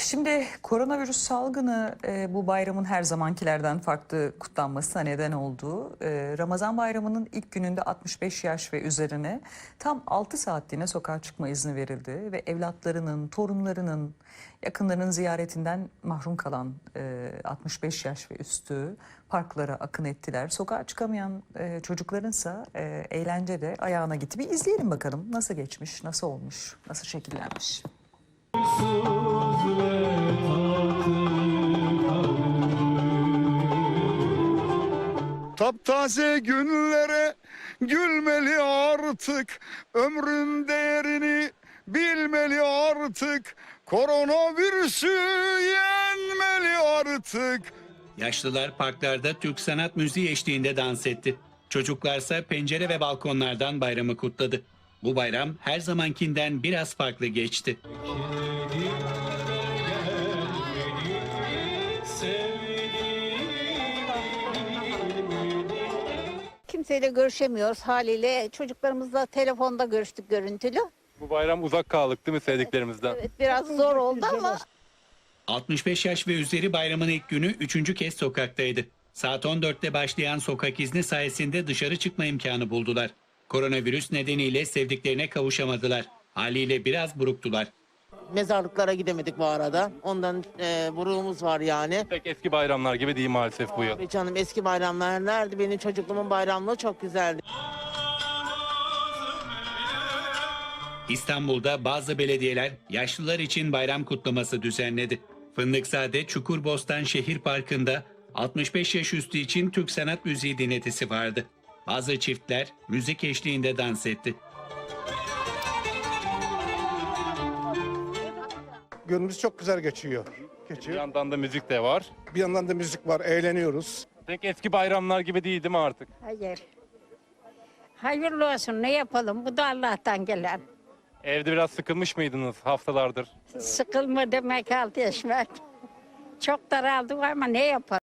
Şimdi koronavirüs salgını bu bayramın her zamankilerden farklı kutlanmasına neden oldu. Ramazan bayramının ilk gününde 65 yaş ve üzerine tam 6 saatliğine sokağa çıkma izni verildi. Ve evlatlarının, torunlarının, yakınlarının ziyaretinden mahrum kalan 65 yaş ve üstü parklara akın ettiler. Sokağa çıkamayan çocuklarınsa eğlencede ayağına gitti. Bir izleyelim bakalım nasıl geçmiş, nasıl olmuş, nasıl şekillenmiş. Taptaze günlere gülmeli artık, ömrün değerini bilmeli artık, koronavirüsü yenmeli artık. Yaşlılar parklarda Türk sanat müziği eşliğinde dans etti. Çocuklarsa pencere ve balkonlardan bayramı kutladı. Bu bayram her zamankinden biraz farklı geçti. Kimseyle görüşemiyoruz haliyle. Çocuklarımızla telefonda görüştük görüntülü. Bu bayram uzak kaldık değil mi sevdiklerimizden? Evet, biraz zor oldu ama 65 yaş ve üzeri bayramın ilk günü 3. kez sokaktaydı. Saat 14'te başlayan sokak izni sayesinde dışarı çıkma imkanı buldular. Koronavirüs nedeniyle sevdiklerine kavuşamadılar. Haliyle biraz buruktular. Mezarlıklara gidemedik bu arada. Ondan buruğumuz var yani. Pek eski bayramlar gibi değil maalesef bu yıl. Abi canım eski bayramlar nerede? Benim çocukluğumun bayramlığı çok güzeldi. İstanbul'da bazı belediyeler yaşlılar için bayram kutlaması düzenledi. Fındıkzade Çukurbostan Şehir Parkı'nda 65 yaş üstü için Türk sanat müziği dinletisi vardı. Bazı çiftler müzik eşliğinde dans etti. Günümüz çok güzel geçiyor. Bir yandan da müzik de var. Bir yandan da müzik var, eğleniyoruz. Pek eski bayramlar gibi değil mi artık? Hayır. Hayırlı olsun, ne yapalım? Bu da Allah'tan gelen. Evde biraz sıkılmış mıydınız haftalardır? Sıkılma demek, halt yaşmak. Çok daraldık ama ne yapalım?